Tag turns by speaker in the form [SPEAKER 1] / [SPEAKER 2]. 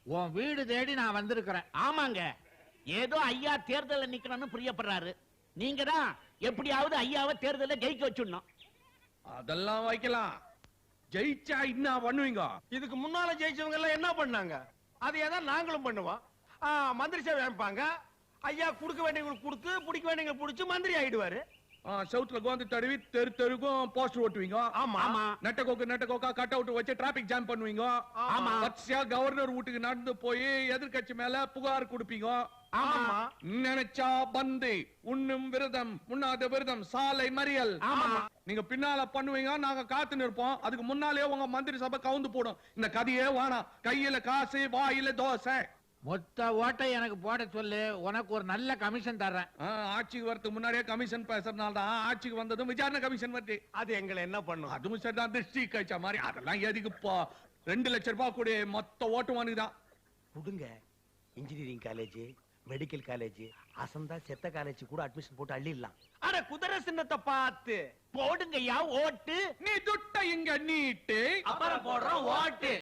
[SPEAKER 1] உன் வீடு தேடி நான் வந்திருக்கிறேன்.
[SPEAKER 2] ஆமாங்க, ஏதோ ஐயா தேர்தல்ல நிக்கணும்னு பிரியப்படுறாரு. நீங்க தான் எப்படியாவது ஐயாவை தேர்தல்ல ஜெயிக்க வச்சுடணும்.
[SPEAKER 3] அதெல்லாம் வைக்கலாம். ஜெயிச்சா என்ன பண்ணுவீங்க?
[SPEAKER 4] இதுக்கு முன்னால ஜெயிச்சவங்க எல்லாம் என்ன பண்ணாங்க? அதையே தான் நாங்களும் பண்ணுவோம். மந்திரி சேவை அமைப்பாங்க. ஐயா குடுக்க வேண்டியவங்களுக்கு கொடுத்து, பிடிக்க வேண்டியவங்களுக்கு பிடிச்சு மந்திரி ஆயிடுவாரு.
[SPEAKER 3] சவுத்ல கோந்து தடவி தெரு தெருக்கும் போஸ்டர் ஓட்டுவீங்க.
[SPEAKER 4] ஆமா.
[SPEAKER 3] நெட்டக்கோக்கா கட் அவுட் வச்சு டிராபிக் ஜாம் பண்ணுவீங்க.
[SPEAKER 4] ஆமா.
[SPEAKER 3] வரிசையா கவர்னர் வீட்டுக்கு நடந்து போய் எதிர்கட்சி மேல புகார் கொடுப்பீங்க.
[SPEAKER 4] ஆமா.
[SPEAKER 3] நினைச்சா பந்து, உண்ணும் விரதம், உண்ணாத விரதம், சாலை மறியல். நீங்க பின்னால பண்ணுவீங்க, நாங்க காத்து நிற்போம். அதுக்கு முன்னாலே உங்க மந்திரி சபை கவுந்து போடும். இந்த கதையே வேணாம். கையில காசு, வாயில தோசை.
[SPEAKER 1] மொத்த ஓட்டை எனக்கு போட சொல்லு, உனக்கு ஒரு நல்ல கமிஷன் தர்றேன்.
[SPEAKER 3] ஆட்சிக்கு வரதுக்கு முன்னாடியே கமிஷன் பேசுறதுனால தான் ஆட்சிக்கு வந்ததும் விசாரணை கமிஷன் வருது.
[SPEAKER 4] அது எங்களை என்ன பண்ணும்?
[SPEAKER 3] அதுவும் சரிதான், திருஷ்டி கழிச்ச மாதிரி. அதெல்லாம் எதுக்குப்பா? 2 லட்சம் ரூபாய் கூட மொத்த ஓட்டு வாங்குதான்.
[SPEAKER 4] கொடுங்க. இன்ஜினியரிங் காலேஜ், மெடிக்கல் காலேஜ், அசந்தா செத்த காலேஜ் கூட அட்மிஷன் போட்டு அள்ளிடலாம். அட குதிரை சின்னத்தை பார்த்து
[SPEAKER 2] போடுங்கய்யா ஓட்டு.
[SPEAKER 3] நீ துட்ட இங்க நீட்டு,
[SPEAKER 2] அப்புறம் போடுறோம் ஓட்டு.